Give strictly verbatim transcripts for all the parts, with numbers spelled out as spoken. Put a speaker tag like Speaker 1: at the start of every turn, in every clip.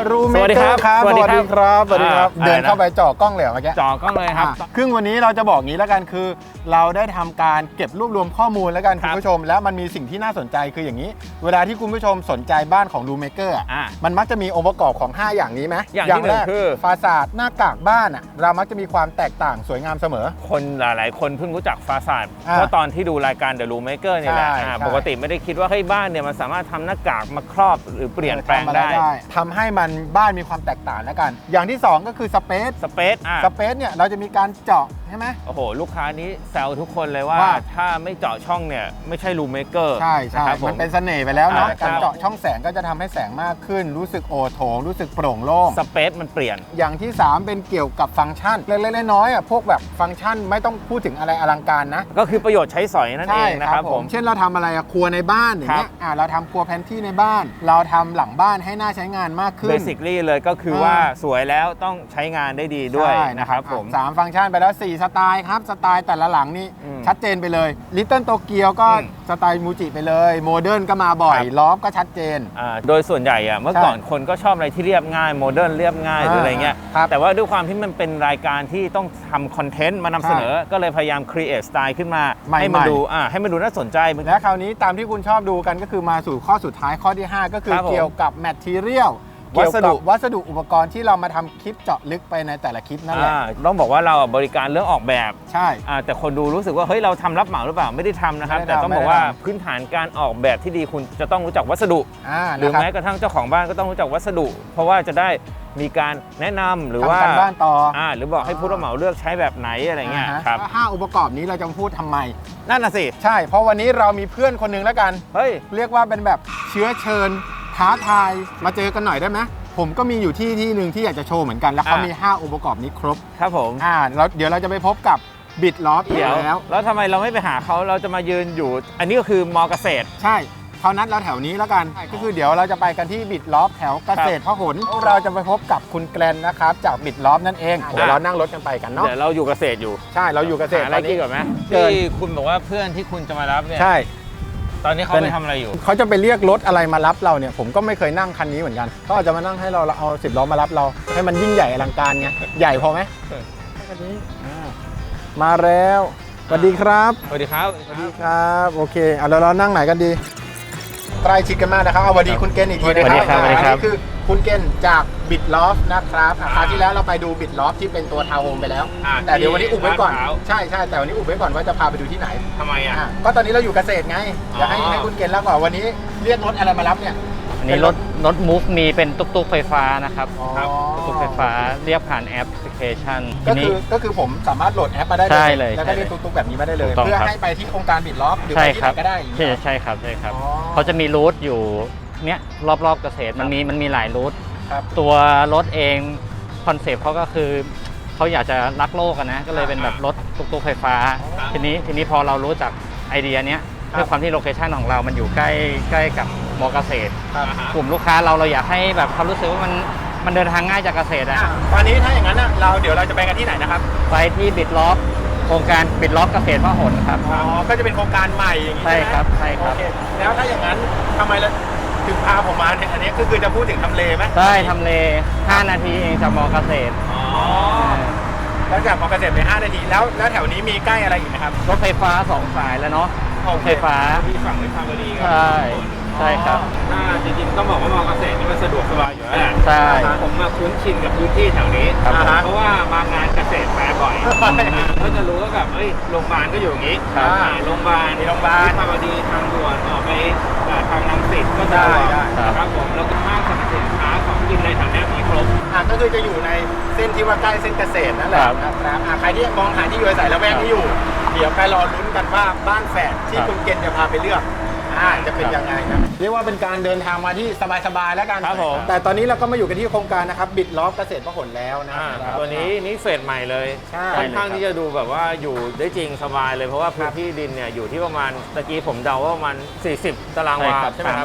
Speaker 1: รูเมเกอร์ครับสวัสดีครับสวัสดีครับเดินเข้าไปจ่อกล้องเลยเมื่อกี้
Speaker 2: จ่อกล้องเลยครับ
Speaker 1: ครึ่งวันนี้เราจะบอกงี้แล้วกันคือเราได้ทำการเก็บรวบรวมข้อมูลแล้วกันคุณผู้ชมแล้วมันมีสิ่งที่น่าสนใจคืออย่างนี้เวลาที่คุณผู้ชมสนใจบ้านของรูเมเกอร์มันมักจะมีองค์ประกอบของห้าอย่างนี้ไหม
Speaker 2: อย่างแรกคือ
Speaker 1: ฟาซาดหน้ากากบ้านอ่ะเรามักจะมีความแตกต่างสวยงามเสมอ
Speaker 2: คนหลายๆคนเพิ่งรู้จักฟาซาดเพราะตอนที่ดูรายการ The Room Maker นี่แหละปกติไม่ได้คิดว่าให้บ้านเนี่ยมันสามารถทำหน้ากากมาครอบหรือเปลี่ยนแปลงได้
Speaker 1: ทำให้มันบ้านมีความแตกต่างแล้วกันอย่างที่สองก็คือสเปซ
Speaker 2: สเปซ
Speaker 1: สเปซเนี่ยเราจะมีการเจาะใช่ไหม
Speaker 2: โอ้โหลูกค้านี้แซวทุกคนเลยว่าถ้าไม่เจาะช่องเนี่ยไม่ใช่รูมเมเกอร์
Speaker 1: ใช่ใช่มันเป็นเสน่ห์ไปแล้วนะการเจาะช่องแสงก็จะทำให้แสงมากขึ้นรู้สึกโอโถงรู้สึกโปร่งโล่ง
Speaker 2: สเปซมันเปลี่ยน
Speaker 1: อย่างที่สามเป็นเกี่ยวกับฟังก์ชันเล็กๆน้อยๆอ่ะพวกแบบฟังก์ชันไม่ต้องพูดถึงอะไรอลังการนะ
Speaker 2: ก็คือประโยชน์ใช้สอยนั่นเองนะครับผม
Speaker 1: เช่นเราทำอะไรครัวในบ้านอย่างเงี้ยอ่าเราทำครัวแพนที่ในบ้านเราทำหลังบ้านให้น่าใช้งานมากขึ้น
Speaker 2: basically เลยก็คือว่าสวยแล้วต้องใช้งานได้ดีด้วยนะครับผม
Speaker 1: สามฟังก์ชันไปแล้วสี่สไตล์ครับสไตล์แต่ละหลังนี่ชัดเจนไปเลยลิตเติ้ลโตเกียวก็สไตล์มูจิไปเลยโมเดิร์นก็มาบ่อยลอฟก็ชัดเจน
Speaker 2: โดยส่วนใหญ่อะเมื่อก่อนคนก็ชอบอะไรที่เรียบง่ายโมเดิร์นเรียบง่ายหรืออะไรเงี้ยแต่ว่าด้วยความที่มันเป็นรายการที่ต้องทำคอนเทนต์มานำเสนอก็เลยพยายามครีเอทสไตล์ขึ้นมาให้มันดูอ่าให้มันดูน่าสนใจ
Speaker 1: และคราวนี้ตามที่คุณชอบดูกันก็คือมาสู่ข้อสุดท้ายข้อที่ห้าก็คือเกี่ยวกับแมททีเรียลวัสดุวัสดุอุปกรณ์ที่เรามาทำคลิปเจาะลึกไปในแต่ละคลิปนั่นแหละ
Speaker 2: ต้องบอกว่าเราบริการเรื่องออกแบบ
Speaker 1: ใช่
Speaker 2: แต่คนดูรู้สึกว่าเฮ้ยเราทำรับเหมาหรือเปล่าไม่ได้ทำนะครับแต่ต้องบอกว่าพื้นฐานการออกแบบที่ดีคุณจะต้องรู้จักวัสดุหรือแม้กระทั่งเจ้าของบ้านก็ต้องรู้จักวัสดุ เพราะว่าจะได้มีการแนะนำหรือว่า
Speaker 1: บ้านต่อ
Speaker 2: หรือบอกให้ผู้รับเหมาเลือกใช้แบบไหนอะไรเงี้ยครับ
Speaker 1: ห้าองค์ประกอบนี้เราจะพูดทำไม
Speaker 2: นั่นน่ะสิ
Speaker 1: ใช่เพราะวันนี้เรามีเพื่อนคนนึงแล้วกัน
Speaker 2: เฮ้ย
Speaker 1: เรียกว่าเป็นแบบเชื้อเชิญท้าทายมาเจอกันหน่อยได้ไหมผมก็มีอยู่ที่ที่หนึ่งที่อยากจะโชว์เหมือนกันแล้วเขามีห้าองค์ประกอบนี้ครบ
Speaker 2: ครับผม
Speaker 1: อ่าแล้วเดี๋ยวเราจะไปพบกับบิดล้ออีกแล้ว
Speaker 2: แล้วทำไมเราไม่ไปหาเขาเราจะมายืนอยู่อันนี้ก็คือมอเกษตร
Speaker 1: ใช่เขานัดเราแถวนี้แล้วกันก็คือเดี๋ยวเราจะไปกันที่บิดล้อแถวเกษตรพหลเราจะไปพบกับคุณแกลนนะครับจากบิดล้อนั่นเองเดี๋ยวเรานั่งรถกันไปกันเนาะ
Speaker 2: เดี๋ยวเราอยู่เกษตรอยู่
Speaker 1: ใช่เราอยู่เกษตร
Speaker 2: อะไรกินก่อนไหมที่คุณบอกว่าเพื่อนที่คุณจะมารับเนี่ย
Speaker 1: ใช่
Speaker 2: ตอนนี้เขาไปทำอะไรอยู่
Speaker 1: เขาจะไปเรียกรถอะไรมารับเราเนี่ยผมก็ไม่เคยนั่งคันนี้เหมือนกันเขาอาจจะมานั่งให้เราเอาสิบล้อมารับเราให้มันยิ่งใหญ่อลังการไงใหญ่พอไหมคันนี้มาแล้วสวัสดีครับ
Speaker 2: สวัสดีครับ
Speaker 1: สวัสดีครับโอเคเอาเรานั่งไหนกันดีใกล้ชิดกันมากนะครับเอาสวัสดีคุณเกณฑ์อีกที
Speaker 2: นะครับสวัสดีครับ
Speaker 1: นี่คือคุณเกณฑ์จากบิดลอฟนะครับคราวที่แล้วเราไปดูบิดลอฟที่เป็นตัวทาวน์โฮมไปแล้วแต่เดี๋ยววันนี้อุบไว้ก่อนใช่ใช่แต่วันนี้อุบไว้ก่อนว่าจะพาไปดูที่ไหน
Speaker 2: ทำไมอ่ะ
Speaker 1: ก็ตอนนี้เราอยู่เกษตรไงอยากให้ให้คุณเกณฑ์เล่าก่อนวันนี้เรียกรถอะไรมารับเนี่ย
Speaker 3: อันนี้รถรถมูฟมีเป็นตุ๊กตุ๊กไฟฟ้านะครับตุ๊กไฟฟ้าเรียกผ่านแอปพลิเคชัน
Speaker 1: ก็คือก็คือผมสามารถโหลดแอปมาได้เลยแล้วก็เรียกตุ๊กตุ๊กแบบนี้มาได้เลยเพื่อให้ไปที่โครงการบิดลอฟหรือไปที่ไหนก็ได้
Speaker 3: ใช่ใช่ครับใช่ครับเขาจะมีรูทอยู่เนี้ยรอบๆเกษตรมันมีมันมีหลายรูทตัวรถเองคอนเซปต์เขาก็คือเขาอยากจะรักโลกกันนะก็เลยเป็นแบบรถตุ๊กตุ๊กไฟฟ้าทีนี้ทีนี้พอเรารู้จักไอเดียเนี้ยด้วยความที่โลเคชันของเรามันอยู่ใกล้ใกล้กับมอเกษตรกลุ่มลูกค้าเราเราอยากให้แบบเขารู้สึกว่ามันมันเดินทางง่ายจากเกษตรอ่ะ
Speaker 1: ตอนนี้ถ้าอย่างนั้นเราเดี๋ยวเราจะไปกันที่ไหนนะครับ
Speaker 3: ไปที่บิดล็อกโครงการบิดล็อกเกษตรพหลครับ
Speaker 1: อ๋อก็จะเป็นโครงการใหม่อย่างนี้
Speaker 3: ใช่ครับใช่ครับ
Speaker 1: แล้วถ้าอย่างนั้นทำไมเราถึงพาผมมาเนี่ยอันนี้ก็คือจะพูดถึงทำเลไหม
Speaker 3: ใช่ทำเลห้านาทีเองจากมอเกษตร
Speaker 1: อ๋อแล้วจากมอเกษตรไปห้านาทีแล้วแล้วแถวนี้มีใกล้อะไรอีกไหมครับ
Speaker 3: รถไฟฟ้าสองสายแล้วเนาะไฟฟ้า
Speaker 2: ที่ฝั่งวิภาวดี
Speaker 3: ใช่ใช่ครับ
Speaker 2: ถ้าจริงๆต้องบอกว่ามอเกษตรนี่มันสะดวกสบายอยู่แล้ว
Speaker 3: ใช่
Speaker 2: ผมมาคุ้นชินกับพื้นที่แถวนี้เพราะว่ามางานเกษตรแฟร์บ่อยก็จะรู้ว่าแบบเอ้ยโรงพยาบาลก็อยู่อย่างนี้โรงพยาบาล
Speaker 1: โรงพยาบาล
Speaker 2: วิภาวดีทางด่วนออกไปทางรังสิตก็ได้ครับผมแล้วก็ห้างสรรพสินค้าของกินในแถวนี้มีครบ
Speaker 1: อ่ะก็คือจะอยู่ในเส้นที่ว่าใกล้เส้นเกษตรนั่นแหละนะครับอ่ะใครที่มองหาที่อยู่อาศัยละแวกนี้อยู่เดี๋ยวไปรอลุ้นกันว่าบ้านแฝดที่คุณเกณฑ์จะพาไปเลือกอ่าจะเป็นยังไงนะเรียกว่าเป็นการเดินทางมาที่สบายๆแล้วกัน
Speaker 2: ครับผม
Speaker 1: แต่ตอนนี้เราก็มาอยู่กันที่โครงการนะครับบิดล้อเกษตรพหลแล้วนะ
Speaker 2: ตัวนี้นี่เฟสใหม่เลยค่อนข้างที่จะดูแบบว่าอยู่ได้จริงสบายเลยเพราะว่าพื้นที่ดินเนี่ยอยู่ที่ประมาณตะกี้ผมเดาว่าประมาณสี่สิบตารางวาใช่ไหมครับ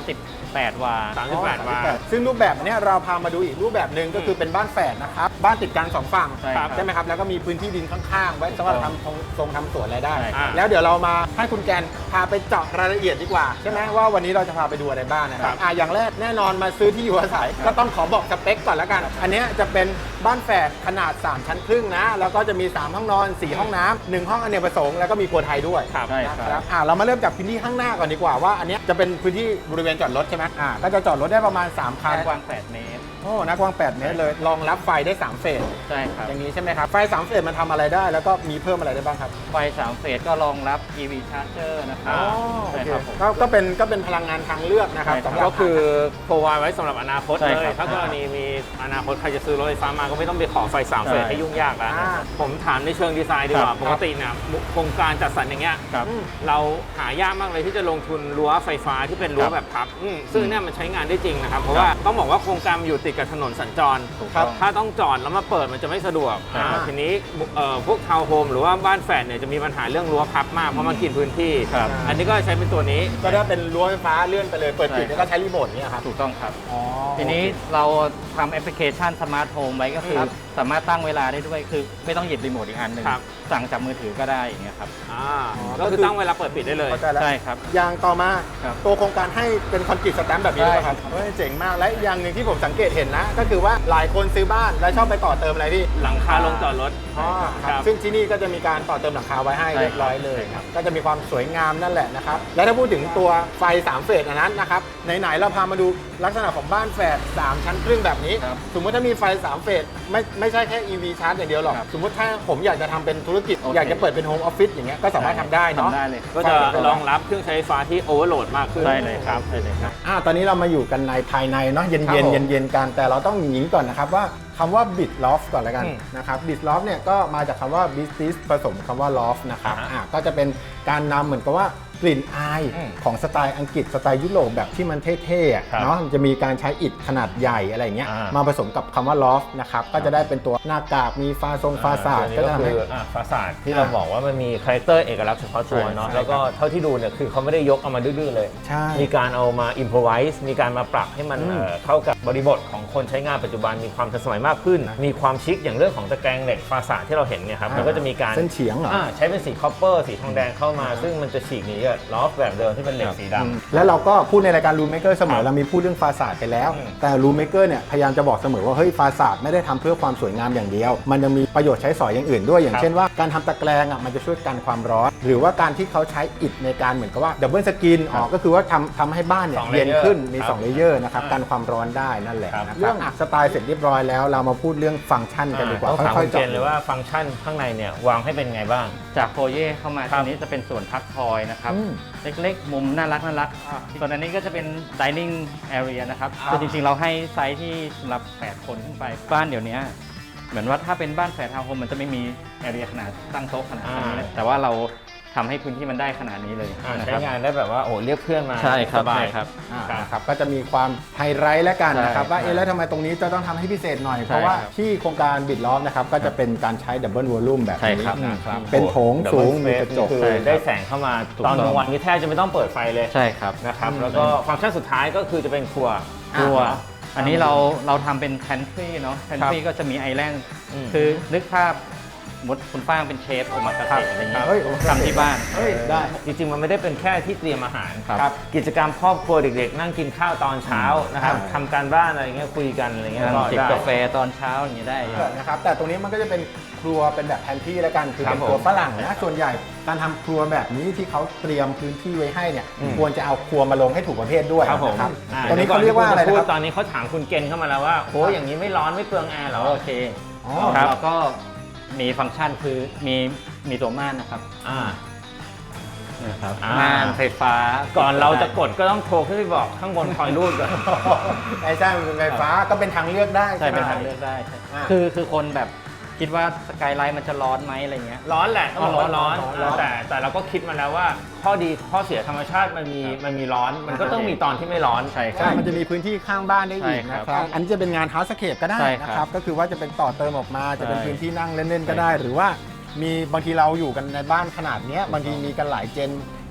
Speaker 3: แปด วา
Speaker 2: สามสิบแปด วา
Speaker 1: ซึ่งรูปแบบเนี้ยเราพามาดูอีกรูปแบบหนึ่งก็คือเป็นบ้านแฝดนะครับบ้านติดกันสองฝั่ง
Speaker 3: ใช่ครับ
Speaker 1: ใช่ไหมครับแล้วก็มีพื้นที่ดินข้างๆ ไว้สำหรับทำทรงทรงทำสวนอะไรได้
Speaker 3: ใช่ครับ
Speaker 1: แล้วเดี๋ยวเรามาให้คุณแกนพาไปเจาะรายละเอียดดีกว่าใช่ไหมว่าวันนี้เราจะพาไปดูอะไรบ้างนะครับอ่ะอย่างแรกแน่นอนมาซื้อที่อยู่อาศัยก็ต้องขอบอกสเปคก่อนแล้วกัน อันเนี้ยจะเป็นบ้านแฝดขนาดสามชั้นครึ่งนะแล้วก็จะมีสามห้องนอนสี่ห้องน้ำหนึ่งห้องอเนกประสงค์แล้วก็มีครัวไทยด้วย
Speaker 2: ครับ
Speaker 3: ใช่
Speaker 1: นะครับอ่ะเรามาเริ่มจากพื้นที่ข้างหน้าก่อนดีกว่าว่าอันเนี้ยจะเป็นพื้นที่บริเวณจอดรถใช่ไหมอ่ะก็จะจอดรถได้ประมาณสามคัน
Speaker 3: กว้าง แปด เมตร
Speaker 1: โอ้หน้ากว้างแปดเมตรเลยรองรับไฟได้สามเฟส
Speaker 3: ใช่ครับ
Speaker 1: อย่างนี้ใช่ไหมครับไฟสามเฟสมันทำอะไรได้แล้วก็มีเพิ่มอะไรได้บ้างครับ
Speaker 3: ไฟสามเฟสก็รองรับ อี วี Charger นะครับ
Speaker 1: อ๋อโอ
Speaker 3: ใช่
Speaker 1: เค
Speaker 3: ครับผม
Speaker 1: ก็ก็เป็นก็เป็นพลังงานทางเลือกนะครับ
Speaker 3: ใช่ครับ
Speaker 1: สำหรับ
Speaker 2: ก็คือโปรไวไว้สำหรับอนาคต
Speaker 3: ใช่
Speaker 2: เล
Speaker 3: ครั
Speaker 2: ย
Speaker 3: บ
Speaker 2: ถ้ากรณีมีอนาคตใครจะซื้อรถไฟฟ้ามาก็ไม่ต้องไปขอไฟสามเฟส
Speaker 3: ใช่
Speaker 2: ให้ยุ่งยากแล้ว
Speaker 1: อ่า
Speaker 2: ผมถามในเชิงดีไซน์ดีกว่า
Speaker 3: ครับ
Speaker 2: ปกติเนี่ยโครงการจัดสรรอย่างเงี้ย
Speaker 3: ครับ
Speaker 1: อืม
Speaker 2: เราหายากมากเลยที่จะลงทุนรั้วไฟฟ้าที่เป็นรั้ว
Speaker 3: ครับ
Speaker 2: แบบพับอืมซึ่งเนี่ยมันใช้งานได้จริงนะครับ เพราะว่าต้องบอกว่าโครงการมันอยู่ติดกับถนนสัญจร
Speaker 3: ถูก
Speaker 1: ครั
Speaker 3: ต้
Speaker 1: บ
Speaker 3: อง
Speaker 2: ถ้าต้องจอดแล้วมาเปิดมันจะไม่สะดวก
Speaker 3: อ่า
Speaker 2: อ่าทีนี้เอ่อพวกทาวน์โฮมหรือว่าบ้านแฝดเนี่ยจะมีปัญหาเรื่องรั้วพับมากเพราะมันกินพื้นที่
Speaker 3: ครับ
Speaker 2: อันนี้ก็ใช้เป็นตัวนี้
Speaker 1: ก็ได้เป็นรั้วไฟฟ้าเลื่อนไปเลยเปิดปิด
Speaker 3: ใช่
Speaker 1: แล้วก็ใช้รีโมทเนี่ยครับ
Speaker 3: ถูกต้องครับ
Speaker 1: อ๋อ
Speaker 3: ทีนี้เราทำแอปพลิเคชันสมาร์ทโฮมไว้ก็คือ
Speaker 1: ครับ
Speaker 3: สามารถตั้งเวลาได้ด้วยคือไม่ต้องหยิบรีโมทอีกอันหนึ่ง
Speaker 2: ครับ
Speaker 3: สั่งจากมือถือก็ได้อย่างเงี้ยครับ
Speaker 2: อ่าก็คือตั้งเวลาเปิดปิดได้เลย
Speaker 1: เข้าใจแล้ว
Speaker 3: ใช่ครับ
Speaker 1: อย่างต่อมา
Speaker 3: ครับ
Speaker 1: ตัวโครงการให้เป็นคอนกรีตสแตมป์แบบนี้ด้วยครับเฮ้ยเจ๋งมากและอีกอย่างหนึ่งที่ผมสังเกตเห็นนะ ก็คือว่าหลายคนซื้อบ้านแล้วชอบไปต่อเติมอะไรพี่
Speaker 2: หลังคาลงจอดรถ
Speaker 1: อ๋อค
Speaker 2: ค
Speaker 1: รั
Speaker 2: รั
Speaker 1: บบ ซึ่งที่นี่ก็จะมีการต่อเติมหลังคาไว้ให้
Speaker 3: ใช่
Speaker 1: เรียบร้อยเลย
Speaker 3: ใช่ครับ
Speaker 1: ก็จะมีความสวยงามนั่นแหละนะครับ และถ้าพูดถึงตัวไฟสามเฟสอันนั้นนะครับไหนๆเราพามาดูลักษณะของบ้านแฝดสามชั้นครึ่งแบบนี้
Speaker 3: ครับ
Speaker 1: สมมติถ้ามีไฟสามเฟสไม่ไม่ใช่แค่ อี วี ชาร์จอย่างเดียวหรอก
Speaker 3: ครับ
Speaker 1: สมมติถ้าผมอยากจะทำเป็นธุรกิจ
Speaker 3: โอเค
Speaker 1: อยากจะเปิดเป็นโฮมออฟฟิศอย่างเงี้ยก็สามารถทำได้เนาะ
Speaker 3: ทำได้เลย
Speaker 2: ก็จะรองรับเครื่องใช้ไฟฟ้าที่โอเวอร์โหลดมากขึ้น
Speaker 3: ได้เลยครับได้เลยครับ
Speaker 1: อ่าตอนนี้เรามาอยู่กันในภายในเนาะเย็น
Speaker 2: ครับ
Speaker 1: เย็น
Speaker 2: ผม
Speaker 1: เย็นเย็นๆกันแต่เราต้องหญิงก่อนนะครับว่าคำว่า bit loft ก่อนแล้วกัน
Speaker 2: อืม
Speaker 1: นะครับ bit loft เนี่ยก็มาจากคำว่า business ผสมคำว่า loft นะครับ
Speaker 2: อ่าฮะ
Speaker 1: อ่าก็จะเป็นการนำเหมือนกับว่ากลิ่นอาย
Speaker 2: อืม
Speaker 1: ของสไตล์อังกฤษสไตล์ยุโรปแบบที่มันเท่ๆอะ
Speaker 2: ครับ
Speaker 1: เนาะมันจะมีการใช้อิฐขนาดใหญ่อะไรอย่างเงี้ย
Speaker 2: อ่าม
Speaker 1: มาผสมกับคำว่า loft นะครับก็จะได้เป็นตัวหน้ากากมีฟาทรงฟาสาด
Speaker 2: อ่
Speaker 1: ก็
Speaker 2: ตัว
Speaker 1: จะ
Speaker 2: นี้
Speaker 1: ทำให้
Speaker 2: ก็คืออ่ะฟาสาดที่เราบอกว่ามันมีคาแรคเตอร์เอกลักษณ์เฉพาะตัวเนาะ
Speaker 1: ใช่
Speaker 2: แล้วก็เท่าที่ดูเนี่ยคือเขาไม่ได้ยกเอามาดื้อๆเลย
Speaker 1: ใช่
Speaker 2: มีการเอามาอิมพอไวส์มีการมาปรับให้มัน
Speaker 1: อืม
Speaker 2: เอ่อเข้ากับบริบทของคนใช้งานปัจจุบันมีความทันสมัยมากขึ้น มีความชิคอย่างเรื่องของตะแกรงเหล็กฟาสาดที่เราเห็นเนี่ยครับมันก็จะมีการ
Speaker 1: เส้นเฉียงเหรอ
Speaker 2: อ่าใช้เป็นสีคอปเปอร์สีทองแดงเข้ามา ซึ่งมันจะฉีกหนีกับลอฟแบบเดิมที่เป็นเหล็กสีดำ
Speaker 1: แล้วเราก็พูดในรายการ Room Maker เสมอ
Speaker 2: ครับ
Speaker 1: เรามีพูดเรื่องฟาสาดไปแล้ว
Speaker 2: อืม
Speaker 1: แต่ Room Maker เนี่ยพยายามจะบอกเสมอว่าเฮ้ยฟาสาดไม่ได้ทำเพื่อความสวยงามอย่างเดียว มันยังมีประโยชน์ใช้สอยอย่างอื่นด้วยอย่าง
Speaker 2: ครับ
Speaker 1: เช่นว่าการทำตะแกรงอ่ะมันจะช่วยกันความร้อน หรือว่าการที่เขาใช้อิฐในการเหมือนกับว่าดับเบิลสกินอ๋อก็คือว่าทำทำให้บ้านเนี่ย
Speaker 2: สอง
Speaker 1: เย็น
Speaker 2: layer
Speaker 1: ขึ้นมี
Speaker 2: ครับ
Speaker 1: สองเลเยอร์นะครับ
Speaker 2: อ่า
Speaker 1: กันความร้อนได้นั่นแหละ
Speaker 2: ครับ
Speaker 1: นะครับ
Speaker 2: เรื่อง
Speaker 1: อ่ะสไตล์เสร็จเรียบร้อยแล้วเรามาพูดเรื่องฟังก์ชันกันดีกว่า
Speaker 2: ต้องถาม
Speaker 1: ค่
Speaker 2: คุ
Speaker 1: อย
Speaker 2: ณ
Speaker 1: ๆ
Speaker 2: เจ
Speaker 1: เจาะ
Speaker 2: นเลยว่าฟังก์ชันข้างในเนี่ยวางให้เป็นไงบ้าง
Speaker 3: จากโฟเย่เข้ามา
Speaker 2: ครั
Speaker 3: ตร
Speaker 2: บ
Speaker 3: งนี้จะเป็นส่วนพักคอยนะครับ
Speaker 1: อืม
Speaker 3: เล็กๆ มุมน่ารักน่ารัก
Speaker 1: อ่า
Speaker 3: ส่วนอันนี้ก็จะเป็น dining area นะครับ
Speaker 1: อ่า
Speaker 3: คือจริงๆ เราให้ไซส์ที่สำหรับแปดคนขึ้นไป บ้านเดี๋ยวนี้เหมือนว่าถ้าเป็นบ้านแฝดทาวน์โฮมมันจะไม่มี area ขนาดตั้งโต๊ะขนาดนี้
Speaker 2: อ่า
Speaker 3: แต่ว่าเราทำให้พื้นที่มันได้ขนาดนี้เลย
Speaker 2: อ่า
Speaker 3: นะ
Speaker 2: ใช้
Speaker 3: ครับ
Speaker 2: งานได้แบบว่าโอ้เรียกเพื่อนมา
Speaker 3: ใช่ครับ
Speaker 2: สบาย
Speaker 3: ใช่ครับ
Speaker 1: อ่า
Speaker 2: ครับ
Speaker 1: นะครับก็จะมีความไฮไลท์แล้วกันนะครับ
Speaker 3: ใช่
Speaker 1: ว่าเอ๊ะ
Speaker 3: ใช่
Speaker 1: แล้วทำไมตรงนี้จะต้องทำให้พิเศษหน่อย
Speaker 3: ใช่
Speaker 1: เพราะว่า
Speaker 3: ครับ
Speaker 1: ที่โครงการบิดล้อมนะครับก็จะเป็นการใช้ดับเบิลวอลลุ่มแบบ
Speaker 3: ใช่
Speaker 1: นี้
Speaker 3: ครับ
Speaker 1: นะครับ
Speaker 2: โอ้โห
Speaker 1: เป็นโถงสูง
Speaker 2: Double
Speaker 1: มี
Speaker 2: space
Speaker 1: กระจก
Speaker 2: คือ
Speaker 3: ใช่ครับ
Speaker 2: ได้แสงเข้ามา
Speaker 3: ถูก
Speaker 2: ตอน
Speaker 3: ต้อง
Speaker 2: กลางวันนี้แทบจะไม่ต้องเปิดไฟเลย
Speaker 3: ใช่ครับ
Speaker 2: นะครับ
Speaker 1: อืม
Speaker 2: แล้วก็ฟังก์ชันสุดท้ายก็คือจะเป็นครัว
Speaker 3: ครัว
Speaker 1: อ่า
Speaker 3: อันนี้เราเราทำเป็น pantry เนาะ pantry ก็จะมีไอแลนด์
Speaker 2: อืม
Speaker 3: คือนึกภาพสมมดคุณป้างเป็นเชฟโอมากาเสะอะไรอย่างเงี้ย
Speaker 1: เฮ้ยโอเค
Speaker 3: ทำที่บ้าน
Speaker 1: เฮ้ยได้
Speaker 2: จริงๆ มันไม่ได้เป็นแค่ที่เตรียมอาหาร
Speaker 3: ครับ
Speaker 2: ครับกิจกรรมครอบครัวเด็กๆ นั่งกินข้าวตอนเช้านะครับ
Speaker 1: ครับ
Speaker 2: ทำการบ้านอะไรเงี้ยคุยกันอะไรเงี้ย
Speaker 3: นั่ง
Speaker 2: ก็
Speaker 3: จิบ
Speaker 2: ได้
Speaker 3: กาแฟตอนเช้าอย่างเงี้ยได้
Speaker 1: นะครับแต่ตรงนี้มันก็จะเป็นครัวเป็นแบบแพนทรีแล้วกันคือ
Speaker 2: ครับ
Speaker 1: เป็นครัว
Speaker 2: ผม
Speaker 1: ฝรั่งนะส่วนใหญ่การทำครัวแบบนี้ที่เขาเตรียมพื้นที่ไว้ให้เนี่ย
Speaker 2: อืม
Speaker 1: ควรจะเอาครัวมาลงให้ถูกประเภทด้วย
Speaker 2: ครับผม
Speaker 1: นะครับ
Speaker 2: อ่า
Speaker 1: ตรงนี้เขาเรียกว่าอะไร
Speaker 2: ดี๋
Speaker 1: นะ
Speaker 2: ว
Speaker 1: ค
Speaker 2: ก่
Speaker 1: รับ
Speaker 2: ตอนนี้เขาถามคุณเกณฑ์เข้ามาแล้วว่าโอ้อย่างนี้ไม่ร้อนไม่เปลืองแอร์เหรอ
Speaker 3: โอเค
Speaker 1: อ๋อ
Speaker 2: ครับ
Speaker 3: เราก็มีฟังก์ชันคือมีมีตัวม่านนะครับ
Speaker 2: อ่า
Speaker 3: นะครับ
Speaker 2: อ่า
Speaker 3: ม่านไฟฟ้า
Speaker 2: ก่อนเราจะกดก็ต้องโทรขึ้นไปบอกข้างบนคอยรูดก่อน
Speaker 1: ไอ้ใช่มันเป็นไฟฟ้าก็เป็นทางเลือกได้
Speaker 3: ใช่
Speaker 1: ไหม
Speaker 3: เป็นทางเลือกได้ใช่
Speaker 1: อ่า
Speaker 3: คือคือคนแบบคิดว่าสกายไลท์มันจะร้อนไหมอะไรเงี้ย
Speaker 2: ร้อนแหละต้องบอกว่าร้อน
Speaker 1: ร้อนร้อน
Speaker 2: แต่แต่เราก็คิดมาแล้วว่าข้อดีข้อเสียธรรมชาติมันมีมันมีร้อน มันก็ต้องมีตอนที่ไม่ร้อน
Speaker 3: ใช่ค
Speaker 1: ใช่
Speaker 3: รับ
Speaker 1: มันจะมีพื้นที่ข้างบ้านได้อีก
Speaker 3: ใช่ครับ
Speaker 1: นะครับ อันนี้จะเป็นงาน Housescape ก็ได้
Speaker 3: ใช่
Speaker 1: นะ
Speaker 3: ครับ
Speaker 1: ครับ ก็คือว่าจะเป็นต่อเติมออกมา จะเป็น
Speaker 3: ใช่
Speaker 1: พื้นที่นั่งเล่นๆก็ได้ หรือว่ามีบางทีเราอยู่กันในบ้านขนาดเนี้ยบางทีมีกันหลายเจน พ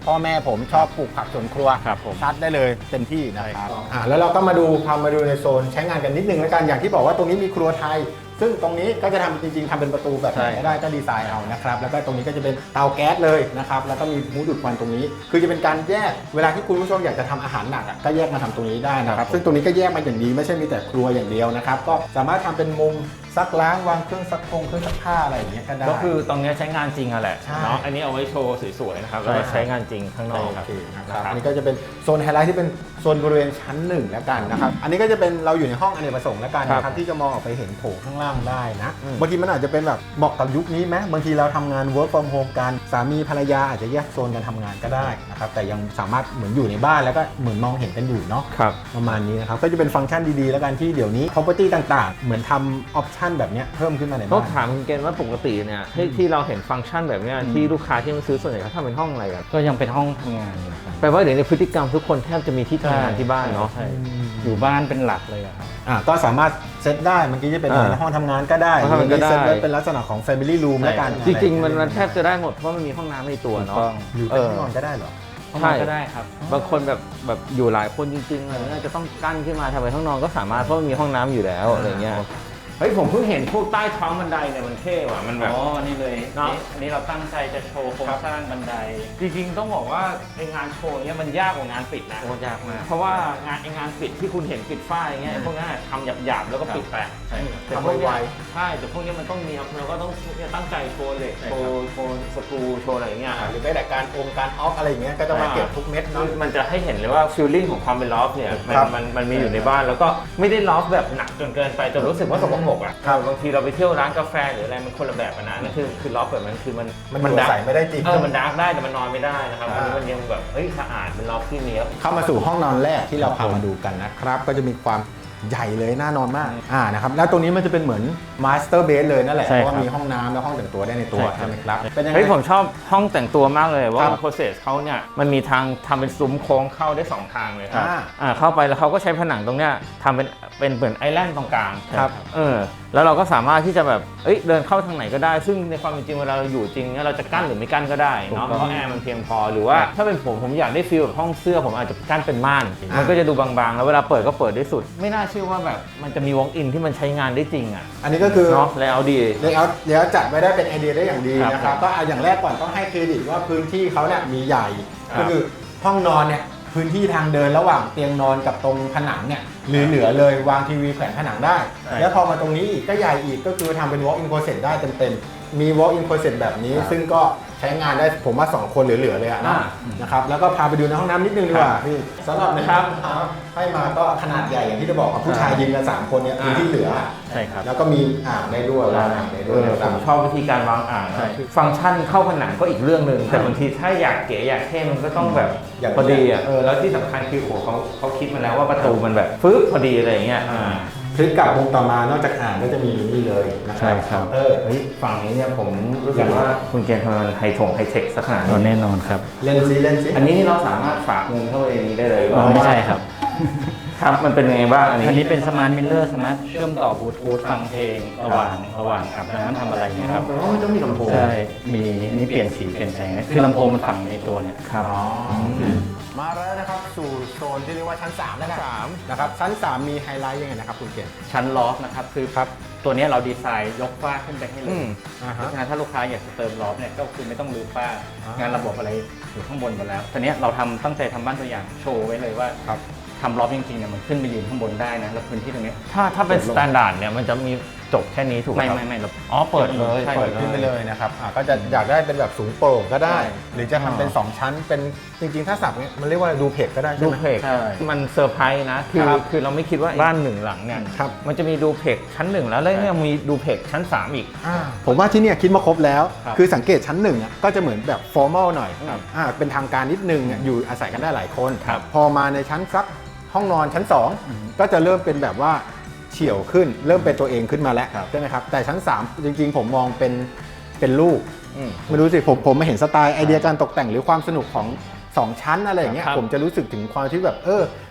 Speaker 1: พ่อแม่ผมชอบปลูกผักสวนครัว
Speaker 3: ครับผม
Speaker 1: ชัดได้เลยเต็มที่นะครับอ่าแล้วเราก็มาดูพามาดูในโซนใช้งานกันนิดนึงแล้วกันอย่างที่บอกว่าตรงนี้มีครัวไทย ซึ่งตรงนี้ก็จะทำจริงๆทำเป็นประตูแบบไหนก็ได้ก็ดีไซน์เอานะครับแล้วก็ตรงนี้ก็จะเป็นเตาแก๊สเลยนะครับแล้วก็มีหูดูดควันตรงนี้ คือจะเป็นการแยกเวลาที่คุณผู้ชมอยากจะทำอาหารหนักอ่ะก็แยกมาทำตรงนี้ได้นะครับซึ่งตรงนี้ก็แยกมาอย่างดีไม่ใช่มีแต่ครัวอย่างเดียวนะครับก็สามารถทำเป็นมุมซักล้างวางเครื่องซักพงเครื่องซักผ้าอะไรอย่างเงี้ยก็ได้
Speaker 2: ก็คือตรงนี้ใช้งานจริงอะแหละ
Speaker 1: ใช่
Speaker 2: เนาะอันนี้เอาไว้โชว์สวยๆนะครับแล้วก็ใช้งานจริงข้างนอก
Speaker 1: โอ
Speaker 2: ครับ
Speaker 1: เคนะครับอันนี้ก็จะเป็นโซนไฮไลท์ที่เป็นโซนบริเวณชั้นหนึ่งแล้วกันนะครับอันนี้ก็จะเป็นเราอยู่ในห้องอเนกประสงค์แล้วกันนะครับที่จะมองออกไปเห็นโถงข้างล่างได้นะบางทีมันอาจจะเป็นแบบเหมาะกับยุคนี้ไหมบางทีเราทำงาน work from home กันสามีภรรยาอาจจะแยกโซนกันทำงานก็ได้นะครับแต่ยังสามารถเหมือนอยู่ในบ้านแล้วก็เหมือนมองเห็นกันอยู่เนาะ
Speaker 2: ครับ
Speaker 1: ประมาณนี้นะครับก็จะเป็นฟังก์ชันดีๆแล้วกันที่เดี๋ยวนี้ property ต่างๆ เหมือนทำออปชันแบบเนี้ยเพิ่มขึ้นมาใน
Speaker 2: ต้อ
Speaker 1: บ้าง น
Speaker 2: ถามคุณเกณฑ์ว่าปกติเนี่ยที่ที่เราเห็นฟังก์ชันแบบเนี้ยที่ลูกค้าที่มาซื้อส่วนใหญ่เขาทำเป็นห้องอะไรกัน
Speaker 3: ก็ยังเป็นห้องทำงานอยู่ครับ
Speaker 2: แปลว่าเดี๋ยวในพฤติกรรมทุกคนแทบจะมีที่ทำงานที่บ้านเนาะ
Speaker 3: ใช่อยู่บ้านเป็นหลักเลยอะครับ
Speaker 1: อ่ะก็สามารถเซตได้เมื่อกี้จะเป็น
Speaker 2: อ่า
Speaker 1: ห้องทำงานก็ได้
Speaker 2: ห้องทำงานก็ได้
Speaker 1: เซตไว้เป็นลักษณะของ family room
Speaker 3: ใช่
Speaker 1: แล้วกัน
Speaker 2: จริงๆมันมันแทบจะได้หมดเพราะมันมีห้องน้ำในตัว
Speaker 3: ถูก
Speaker 2: เนาะ
Speaker 3: ต้อง
Speaker 1: อยู่
Speaker 2: เอ
Speaker 1: เป็น
Speaker 2: อ
Speaker 1: ห้องนอนก็ได้เหรอ
Speaker 3: ห้อง
Speaker 2: ใช่
Speaker 3: นอนก็ได้ครับ
Speaker 2: บางคนแบบแบบอยู่หลายคนจริงๆอะไรเงี้ยจะต้องกั้นขึ้นมาทำเป็นห้องนอนก็สามารถเพราะมันมีห้องน้ำอยู่แล้วอะไรเงี้ยเฮ้ยผมเพิ่งเห็นพวกใต้ท้องบันไดเนี่ยมันเท่ว่ะมันแบบ
Speaker 3: อ๋อ นี่เลย
Speaker 2: เนอะ
Speaker 3: นี่อันนี้เราตั้งใจจะโชว์โครงสร้างบันได
Speaker 2: จริงๆต้องบอกว่าในงานโชว์เนี่ยมันยากกว่างานปิดนะ
Speaker 3: โอ้ยากมาก
Speaker 2: เพราะว่างานไองานปิดที่คุณเห็นปิดฝ้ายอย่างเงี้ยไอ้พวกนั้นทำหยาบๆแล้วก็ปิดแปะ
Speaker 3: ใช่ครับ
Speaker 2: แต่พวกเนี้ยใช่แต่พวกเนี้ยมันต้องมีเราก็ต้องเนี่ยตั้งใจโชว์เหล็ก
Speaker 3: ใช่
Speaker 2: โช
Speaker 3: ครับ
Speaker 2: ว์โชว์สกรูโชว์อะไรอย่างเงี้ย
Speaker 1: อ่าหรือแม้แต่การองค์การออฟอะไรอย่างเงี้ยก็จะมาเก็บทุกเม็ดเนาะ
Speaker 2: มันจะให้เห็นเลยว่าฟีลลิ่งของความเป็นลอฟเนี่ยมัน
Speaker 1: ครับ
Speaker 2: มันมันมีอยู่ในบ้านแล้วก็ไม่ได้ลอฟแบบหนักจนเกินไปจนรู้สึกว่าสกปรกอ่ะ
Speaker 1: ครับ
Speaker 2: บางทีเราไปเที่ยวร้านกาแฟหรืออะไรมันคนละแบบกันนะนั่นคือคือลอฟแบบมันคือมัน
Speaker 1: มันอยู่อาศัยไม่ได้จริง
Speaker 2: เออมันดาร์กได้แต่มันนอนไม่ได้นะครับ
Speaker 1: อ่า
Speaker 2: อันนี้มันยังแบบเฮ้ยสะอาดเป็นลอฟที่เนี้ยบ
Speaker 1: เข้ามาสู่ห้องนอนแรกที่เราพามาดูกันนะครับ ก็จะมีความใหญ่เลยน่านอนมากอ่านะครับแล้วตรงนี้มันจะเป็นเหมือนมาสเตอร์เบดเลยนั่นแหละเพ
Speaker 3: ใช่
Speaker 1: ราะ
Speaker 3: ครับ
Speaker 1: ว่ามีห้องน้ำและห้องแต่งตัวได้ในตัว
Speaker 3: ใช่ครับ
Speaker 1: ใช่ไหมครับเป็นยังไง
Speaker 2: เฮ้ยผมชอบห้องแต่งตัวมากเลยว่า
Speaker 1: ครับ
Speaker 2: โปรเซสเขาเนี่ยมันมีทางทำเป็นซุ้มโค้งเข้าได้สองทางเลยครับ
Speaker 1: อ่า
Speaker 2: อ่าเข้าไปแล้วเขาก็ใช้ผนังตรงเนี้ยทำเป็นเป็นเหมือนไอแลนด์ตรงกลาง
Speaker 1: ครับ
Speaker 2: เออแล้วเราก็สามารถที่จะแบบเอ้ยเดินเข้าทางไหนก็ได้ ซึ่งในความเป็นจริงเวลาเราอยู่จริงเนี่ยเราจะกั้นหรือไม่กั้นก็ได้เนาะ
Speaker 3: ถูกต้อง
Speaker 2: เพราะแอร์มันเพียงพอหรือว่าถ้าเป็นผมผมอยากได้ฟีลแบบห้องเสื้อผมอาจจะกั้นเป็นม่านมันก็จะดูบางๆ แล้วเวลาเปิดก็เปิดได้สุด ไม่น่าเชื่อว่าแบบมันจะมีวอล์กอินที่มันใช้งานได้จริงอ่ะ
Speaker 1: อันนี้ก็คือ
Speaker 2: เนาะแล้วดี
Speaker 1: เลเยอร์เลเยอร์จัดไว้ได้เป็นไอเดียได้อย่างดี
Speaker 2: ครับ
Speaker 1: นะครับก็เอาอย่างแรกก่อนต้องให้เครดิตว่าพื้นที่เขาเนี่ยมีใหญ่
Speaker 2: ครับ
Speaker 1: ก็คือห้องนอนเนี่ยพื้นที่ทางเดินระหว่างเตียงนอนกับตรงผนังเนี่ยเหลือๆเลยวางทีวีแขวนผนังได้ แล้วพอมาตรงนี้อีกก็ใหญ่อีกก็คือทำเป็น walk in closet ได้เต็มๆมี walk in closet แบบนี้
Speaker 2: ครับ
Speaker 1: ซึ่งก็ใช้งานได้ผมว่าสองคนเหลือๆเลยอะนะ
Speaker 2: อ่า
Speaker 1: นะครับแล้วก็พาไปดูในห้องน้ำนิดนึงดีกว่าพี่สำหรับใน
Speaker 2: ครั
Speaker 1: ห้อบ งน้ำให้มาก็ขนาดใหญ่อย่างที่จะบอกกับผู้ชายยืนกันสามคนเนี่ยพื้นที่เหลือ
Speaker 3: ใช่ครับ
Speaker 1: แล้วก็มีอ่างได้ด้วยวางอ่างได้
Speaker 2: เอ
Speaker 1: ด้วย
Speaker 2: อ
Speaker 1: นะค
Speaker 2: ผ
Speaker 1: รับ
Speaker 2: มชอบวิธีการวางอ่าง
Speaker 3: ใช่
Speaker 2: นะฟังก์ชันเข้าผนังก็อีกเรื่องหนึ่งแต่บางทีถ้าอยากเก๋อยากเท่มันก็ต้องแบบ
Speaker 1: อย่าง
Speaker 2: พอดีอ่ะเออแล้วที่สำคัญคือโอ้โหเขาเขาคิดมาแล้วว่าประตูมันแบบฟึ๊บพอดีอะไรอย่างเงี้ยอ่า
Speaker 1: คลิกกลับมุมต่อมานอกจากอ่างก็จะมีนี่เลยนะค
Speaker 3: ใช่
Speaker 1: รับ
Speaker 3: ครับ
Speaker 1: เออ
Speaker 2: เฮ้ยฝั่งนี้เนี่ยผมรู้สึกว่าคุณเกณฑ์ทำงานไฮทงไฮเทคสักขนาด
Speaker 3: อ๋อ
Speaker 2: นี้
Speaker 3: แน่นอนครับ
Speaker 1: เล่นซิเล่นซิ
Speaker 2: อันนี้นี่เราสามารถฝากเงินเข้าไปในนี้ได้เลย
Speaker 3: อ๋อไม่ใช่ครับ
Speaker 2: ครับมันเป็นยังไงบ้างอันนี้
Speaker 3: อันนี้เป็นสมาร์ทมิลเลอร์สามารถเชื่อมต่อบลูทูธฟังเพลงระหว่างระหว่างอาบน้ำทำอะไรเงี้ยครับ
Speaker 2: อ๋อมันต้องมีลำโพง
Speaker 3: ใช่ มีนี่เปลี่ยนสีเปลี่ยนแสงคือลำโพงมันฝังในตัวเนี่ย
Speaker 2: ครับ
Speaker 1: อ๋อมาแล้วนะครับสู่โซนที่เรียกว่าชั้นสามแล้วกัน
Speaker 2: สาม
Speaker 1: นะครับชั้นสามมีไฮไลท์ยังไงนะครับคุณเก่ง
Speaker 3: ชั้นลอฟนะครับคือ
Speaker 1: ครับ
Speaker 3: ตัวเนี้ยเราดีไซน์ยกฝ้าขึ้นไปให้เล
Speaker 2: อื
Speaker 3: ย
Speaker 2: ม
Speaker 1: อ่า
Speaker 3: เพ
Speaker 1: ฮะ
Speaker 3: ราะฉะนั้นถ้าลูกค้าอยากจะเติมลอฟเนี่ยก็คือไม่ต้องรื้อฝ้า
Speaker 1: อ่าง
Speaker 3: งานระบบอะไรอยู่ข้างบนหมดแล้วตอนนี้ยเราทำตั้งใจทำบ้านตัวอย่างโชว์ไว้เลยว่า
Speaker 1: ครับ
Speaker 3: ทำลอฟจริงๆเนี่ยมันขึ้นไปยืนข้างบนได้นะแล้วพื้นที่ตรงเนี้ย
Speaker 2: ถ้าถ้าเป็นสแตนดาร์ดเนี่ยมันจะมีจบแค่นี้ถูกไหม
Speaker 3: ไม่
Speaker 2: ครับ
Speaker 3: ไม่ไม่เรา
Speaker 2: อ๋อเปิดเลย
Speaker 3: ใช่
Speaker 1: เปิดขึ้นไปเลยนะครับอ่าก็จะอยากได้เป็นแบบสูงโปร่งก็ได้
Speaker 3: ใช่
Speaker 1: หรือจะทำเป็นสองชั้นเป็นจริงๆถ้าสับเนี่ยมันเรียกว่าดูเพจก็ได้ใช่
Speaker 2: ดู
Speaker 1: ไหม
Speaker 2: เพก
Speaker 3: ใช่
Speaker 2: มันเซอร์ไพรส์นะ คือ
Speaker 1: ครับ
Speaker 2: คือเราไม่คิดว่าบ้านหนึ่งหลังเนี่ย
Speaker 1: ครับ
Speaker 2: มันจะมีดูเพกชั้นหนึ่งแล้วแล้วเนี่ยมีดูเพกชั้นสามอีก
Speaker 1: อ่าผมว่าที่เนี่ยคิดมาครบแล้ว
Speaker 3: ครับ
Speaker 1: คือสังเกตชั้นหนึ่งอ่ะก็จะเหมือนแบบฟอร์มอลหน่อย
Speaker 2: ครับ
Speaker 1: อ่าเป็นทางการนิดนึงอ่ะอยู่อาศัยกันได้หลายคน
Speaker 2: ครับ
Speaker 1: พอมาในชั้นสักห้องนอนชั้นสองก็จะเริ่มเป็นแบบว่าเฉี่ยวขึ้น เริ่มเป็นตัวเองขึ้นมาแล้วใช่ไหมครับแต่ชั้นสามจริงๆ ผมมองเป็นเป็นลูก
Speaker 2: อืม
Speaker 1: ไม่รู้สิผมผมมาเห็นสไตล์ไอเดียการตกแต่งหรือความสนุกของสองชั้นอะไรอย่างเงี้ย
Speaker 2: ครับ
Speaker 1: ผมจะรู้สึกถึงความที่แบบเออ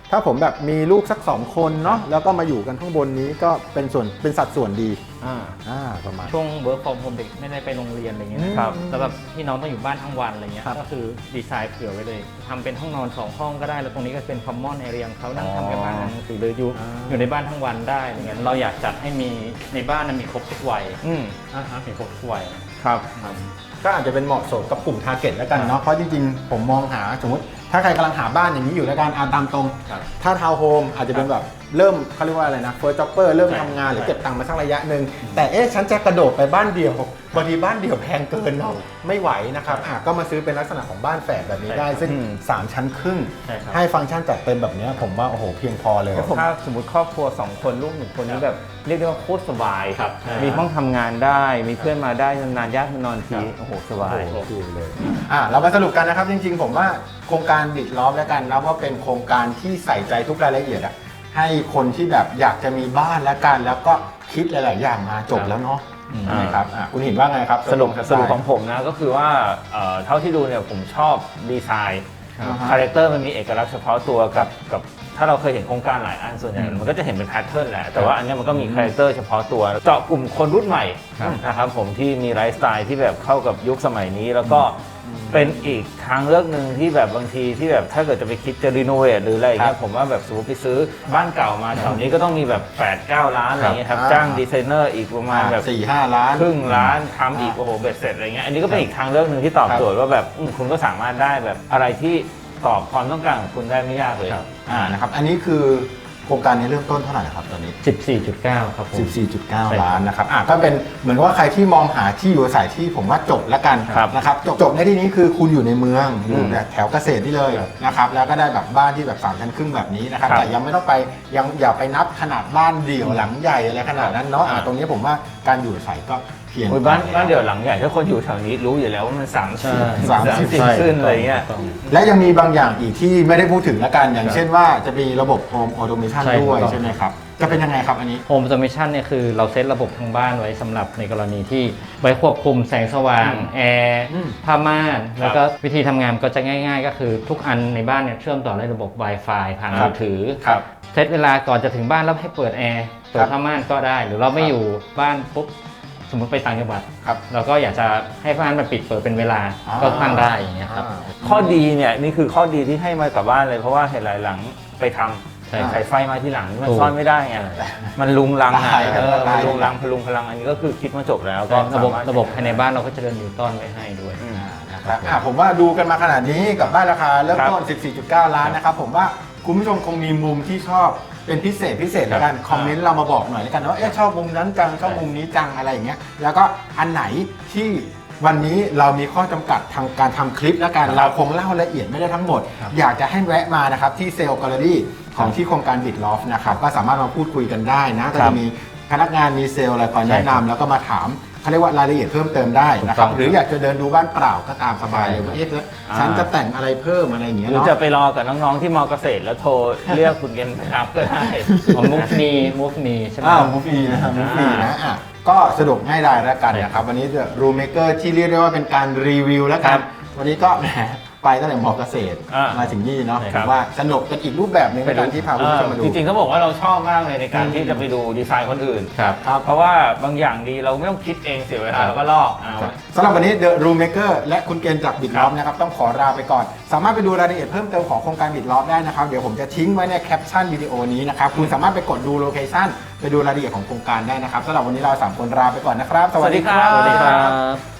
Speaker 1: ถ้าผมแบบมีลูกสักสองคนเนาะแล้วก็มาอยู่กันข้างบนนี้ก็เป็นส่วนเป็นสัดส่วนดี
Speaker 2: อ่า
Speaker 1: อ่าประมาณ
Speaker 3: ช่วง work from home เด็กไม่ได้ไปโรงเรียนอะไรเงี้ย
Speaker 1: อืม
Speaker 3: นะครับแล้วแบบพี่น้องต้องอยู่บ้านทั้งวันอะไรเงี้ย
Speaker 1: ครับ
Speaker 3: ก็คือดีไซน์เผื่อไว้เลยทำเป็นห้องนอนสองห้องก็ได้แล้วตรงนี้ก็เป็น common area ของเขานั่งทำกันบ้านอ่านหนังสือเลยอยู่อยู่ในบ้านทั้งวันได้อะไรเงี้ยเราอยากจัดให้มีในบ้านนั้นมีครบทุกวัย
Speaker 2: อืม
Speaker 3: อ่าฮะมีครบทุกวัย
Speaker 2: ครับ
Speaker 1: ก็อาจจะเป็นเหมาะสมกับกลุ่มทาร์เก็ตแล้วกันเนาะเพราะจริงๆ ผมมองหาสมมติ ถ้าใครกำลังหาบ้านอย่างนี้อยู่แล้วกันอ่านตามตรง
Speaker 3: ครับ
Speaker 1: ถ้าทาวน์โฮมอาจจะเป็นแบบเริ่มเขาเรียกว่าอะไรนะเฟิร์สจ็อบเปอร์เริ่ม
Speaker 3: ใช่
Speaker 1: ทำงานหรือ
Speaker 3: ใช่
Speaker 1: เก็บตังค์มาสักระยะหนึ่งแต่เอ๊ะฉันจะกระโดดไปบ้านเดียวบางทีบ้านเดียวแพงเกินเนาะไม่ไหวนะครับอ่ะก็มาซื้อเป็นลักษณะของบ้านแฝดแบบนี้ได้ ซึ่ง สาม ชั้นครึ่ง
Speaker 3: ใช่ครับ
Speaker 1: ให้ฟังก์ชันจัดเต็มแบบนี้ผมว่าโอ้โหเพียงพอเลย
Speaker 2: ถ้าสมมติครอบครัวสองคนลูกหนึ่งคนนี้แบบเรียกได้ว่าโคตรสบาย
Speaker 3: ครับใช่
Speaker 2: มีห้องทำงานได้ มีเพื่อนมาได้นานๆญาติมานอนทีโอ้โหสบาย
Speaker 1: โอเคเลยอ่ะเรามาสรุปกันนะครับจริงๆ ผมว่าโครงการบิดล้อมแล้วกันนะว่าเป็นโครงการที่ใส่ใจทุกรายละเอียดอะให้คนที่แบบอยากจะมีบ้านแล้วกันแล้วก็คิดหลายๆอย่างมาจบแล้วเนาะ
Speaker 3: อืม
Speaker 1: ใช่ไหมครับอ่ะคุณเห็นว่าไงครับ
Speaker 2: สรุป
Speaker 1: ไตล์
Speaker 2: สรุปของผมนะก็คือว่าเอ่อเท่าที่ดูเนี่ยผมชอบดีไซน์
Speaker 1: อ่าฮะ
Speaker 2: คาแรคเตอร์มันมีเอกลักษณ์เฉพาะตัวกับกับถ้าเราเคยเห็นโครงการหลายอันส่วนใหญ่
Speaker 3: อืม
Speaker 2: มันก็จะเห็นเป็นแพทเทิร์นแหละแต่ว่าอันเนี้ยมันก็มีคาแรคเตอร์เฉพาะตัวเจาะกลุ่มคนรุ่นใหม่
Speaker 3: ครับ
Speaker 2: นะครับผมที่มีไลฟ์สไตล์ที่แบบเข้ากับยุคสมัยนี้ แล้วก็เป็นอีกทางเลือกหนึ่งที่แบบบางทีที่แบบถ้าเกิดจะไปคิดจะรีโนเวทหรืออะไรอย่างเงี้ยผมว่าแบบสมมติไปซื้อบ้านเก่ามาแถวนี้ก็ต้องมีแบบแปด เก้าล้านอะไรเงี้ยครับ
Speaker 1: ครับ
Speaker 2: จ้างดีไซเนอร์อีกประมาณแบบ
Speaker 1: สี่ห้าล้าน
Speaker 2: ครึ่งล้านทำอีกโอ้โหเบ็ดเสร็จอะไรเงี้ยอันนี้ก็เป็นอีกทางเลือกหนึ่งที่ตอบโจทย์ว่าแบบอืมคุณก็สามารถได้แบบอะไรที่ตอบความต้องการของคุณได้ไม่ยากเลย
Speaker 1: อ่านะครับอันนี้คือโครงการนี้เริ่มต้นเท่าไหร่ครับตอนนี้
Speaker 3: สิบสี่จุดเก้าครับผม
Speaker 1: สิบสี่จุดเก้า
Speaker 3: ใช่ครับ
Speaker 1: ล้านนะครับอ่ะก็เป็นเหมือนกับว่าใครที่มองหาที่อยู่อาศัยที่ผมว่าจบแล้วกัน
Speaker 2: ครับ
Speaker 1: นะครับจบจบในที่นี้คือคุณอยู่ในเมืองอยู่แบบแถวเกษตรที่เลย
Speaker 3: ครับ
Speaker 1: นะครับแล้วก็ได้แบบบ้านที่แบบสามชั้นครึ่งแบบนี้นะครับ
Speaker 2: ครับ
Speaker 1: แต่ยังไม่ต้องไปยังอย่าไปนับขนาดบ้านเดี่ยวหลังใหญ่อะไรขนาดนั้นเนาะอ่ะตรงนี้ผมว่าการอยู่อาศัยก็เพียง
Speaker 2: โอ้ยบ้าน
Speaker 1: พอ
Speaker 2: บ้าน
Speaker 1: แล้ว
Speaker 2: เดี่ยวหลังใหญ่ถ้าคนอยู่แถวนี้รู้อยู่แล้วว่ามันสาม
Speaker 3: ใช่
Speaker 2: สิบ
Speaker 1: สามสิบ
Speaker 2: สิบขึ้นอะไรเงี้ย
Speaker 1: และยังมีบางอย่างอีกที่ไม่ได้พูดถึงแล้วกัน อย่างเช่นว่าจะมีระบบ Home Automation
Speaker 3: ใช่
Speaker 1: ด้วย
Speaker 3: ครับ
Speaker 1: ใช่ไหมครับจะเป็นยังไงครับอันนี้
Speaker 3: Home Automation เนี่ยคือเราเซตระบบทางบ้านไว้สำหรับในกรณีที่ไว้ควบคุมแสงสว่าง
Speaker 2: อืม
Speaker 3: แอร์
Speaker 1: อืม
Speaker 3: ผ้าม่าน แล้วก็วิธีทำงานก็จะง่ายๆ ก็คือทุกอันในบ้านเนี่ยเชื่อมต่อด้วยระบบ Wi-Fi ผ่าน
Speaker 1: ครับ
Speaker 3: มือถือ
Speaker 1: ครับ
Speaker 3: เซตเวลาก่อนจะถึงบ้านแล้วให้เปิดแอร์เปิดผ้าม่านก็ได้ หรือเราไม่อยู่บ้านปุ๊บสมมติไปต่างจังหวัด
Speaker 1: ครับ
Speaker 3: เราก็อยากจะให้บ้านมันปิดเปิดเป็นเวลา
Speaker 1: อ่า
Speaker 3: ก็ตั้งได้อย่างเงี้ยครับ
Speaker 2: ข้อดีเนี่ยนี่คือข้อดีที่ให้มากับบ้านเลยเพราะว่าเห็นหลายหลังไปทำ
Speaker 3: ใช่
Speaker 2: ใส่ไฟมาที่หลังนี่มัน
Speaker 3: ถูก
Speaker 2: ซ่อนไม่ได้ไงมันลุงลังอ่ะ
Speaker 1: ตาย
Speaker 2: เออ
Speaker 1: ตาย
Speaker 2: มันลุงลังพลุงพลังอันนี้ก็คือคิดมาจบแล้วก็
Speaker 3: ระบบ
Speaker 2: สามารถ
Speaker 3: ระบบภายในบ้านเราก็จะเดินนิวตันไว้ให้ด้วย
Speaker 2: อืม
Speaker 1: นะครับอ่ะผมว่าดูกันมาขนาดนี้กับบ้านราคาเริ่มต้น สิบสี่จุดเก้า ล้านนะครับ ผมว่าคุณผู้ชมคงมีมุมที่ชอบเป็นพิเศษพิเศษแล้วกัน คอมเมนต์เรามาบอกหน่อยแล้วกันว่าเอ๊ะชอบมุมนั้นจังชอบมุมนี้จังอะไรอย่างเงี้ยแล้วก็อันไหนที่วันนี้เรามีข้อจำกัดทางการทำคลิปแล้วกันเราคงเล่าละเอียดไม่ได้ทั้งหมด อยากจะให้แวะมานะครับที่เซลล์แกลเลอรี่ของที่โครงการบิดลอฟนะครับก็สามารถมาพูดคุยกันได้นะก็จะมีพนักงานมีเซลล์อะไรคอยแนะนำแล้วก็มาถามเขาเรียกว่ารายละเอียดเพิ่มเติมได้นะครับ
Speaker 3: ถูกต้อง
Speaker 1: หรืออยากจะเดินดูบ้านเปล่าก็ตามสบายเลยว่า
Speaker 3: ใช่
Speaker 1: เอ๊ะฉันจะแต่งอะไรเพิ่มอะไรอย่างเงี้ย
Speaker 2: หรือ
Speaker 1: เนาะ
Speaker 2: จะไปรอกับน้องๆที่มอเกษตรแล้วโทรเรียกคุณเกณฑ์ไปรับก็ได้
Speaker 3: ของมุกมีมุกมีใช่ไหม
Speaker 1: อ้าวมูฟีนะครับมูฟีนะอ่ะก็สะดวกง่ายดายแล้วกันนะครับวันนี้เดอะรูเมเกอร์ที่เรียกได้ว่าเป็นการรีวิวแล้วกันวันนี้ก็แหมไปตั้งแต่มอเกษตร
Speaker 2: อ่าม
Speaker 1: มาถึงนี่เนาะ
Speaker 2: ใช่
Speaker 1: ผ
Speaker 2: ครับ
Speaker 1: มว่าสนุกเป็นอีกรูปแบบหนึงในการที่พาคุณผู้ชมมาดู
Speaker 2: จริงๆเขาบอกว่าเราชอบมากเลยในการที่จะไปดูดีไซน์คนอื่น
Speaker 3: ครับ
Speaker 1: ครับ
Speaker 2: เพราะว่าบางอย่างดีเราไม่ต้องคิดเองเสียเวลาเราก็ลอกเอา
Speaker 1: สำหรับวันนี้ The Room Maker และคุณเกณฑ์จากบิดล้อมนะครับต้องขอลาไปก่อน สามารถไปดูรายละเอียดเพิ่มเติมของโครงการบิดล้อมได้นะครับ เดี๋ยวผมจะทิ้งไว้ในแคปชั่นวิดีโอนี้นะครับ คุณสามารถไปกดดูโลเคชั่นไปดูรายละเอียดของโครงการได้นะครับสำหรับวันนี้เราสามคนลาไปก่อนนะครับ
Speaker 2: สวัสดีครับ
Speaker 3: สวัสดีครับ